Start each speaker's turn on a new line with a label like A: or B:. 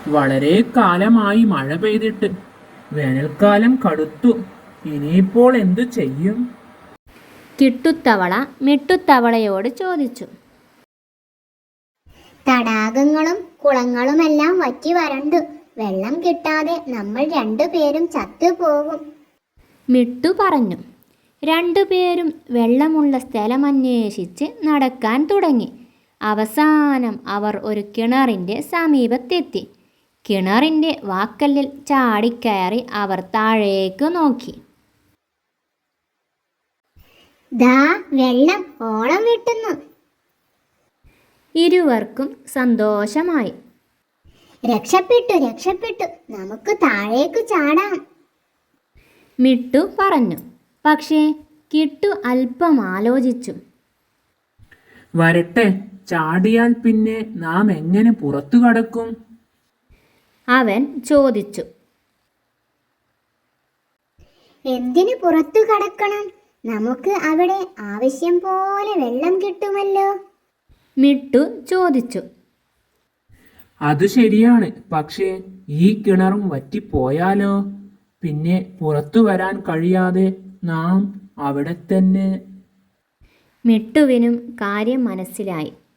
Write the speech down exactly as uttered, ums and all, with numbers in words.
A: വളരെ കാലമായി മഴ പെയ്തിട്ട്. വേനൽക്കാലം കടുത്തു. ഇനിയിപ്പോൾ എന്തു ചെയ്യും?
B: കിട്ടുത്തവള മിട്ടുത്തവളയോട് ചോദിച്ചു.
C: തടാകങ്ങളും കുളങ്ങളുമെല്ലാം വറ്റി വരണ്ടു. വെള്ളം കിട്ടാതെ നമ്മൾ രണ്ടുപേരും ചത്തുപോകും.
B: മിട്ടു പറഞ്ഞു. രണ്ടുപേരും വെള്ളമുള്ള സ്ഥലമന്വേഷിച്ച് നടക്കാൻ തുടങ്ങി. അവസാനം അവർ ഒരു കിണറിൻ്റെ സമീപത്തെത്തി. കിണറിൻ്റെ വാക്കല്ലിൽ ചാടിക്കയറി അവർ താഴേക്ക് നോക്കി.
C: ദാ വെള്ളം ഓളം വെട്ടുന്നു.
B: ഇരുവർക്കും സന്തോഷമായി.
C: രക്ഷപ്പെട്ടു രക്ഷപ്പെട്ടു നമുക്ക് താഴേക്ക് ചാടാം.
B: മിട്ടു പറഞ്ഞു. പക്ഷേ കിട്ടു അല്പം ആലോചിച്ചു.
A: വരട്ടെ, ചാടിയാൽ പിന്നെ നാം എങ്ങനെ പുറത്തു കടക്കും?
B: അവൻ ചോദിച്ചു.
C: എന്തിനു പുറത്തു കടക്കണം? നമുക്ക് അവിടെ ആവശ്യം പോലെ വെള്ളം കിട്ടുമല്ലോ.
B: മിട്ടു ചോദിച്ചു.
A: അത് ശരിയാണ്. പക്ഷേ ഈ കിണറും വറ്റിപ്പോയാലോ? പിന്നെ പുറത്തു വരാൻ കഴിയാതെ നാം അവിടെ തന്നെ.
B: മിട്ടുവിനും കാര്യം മനസ്സിലായി.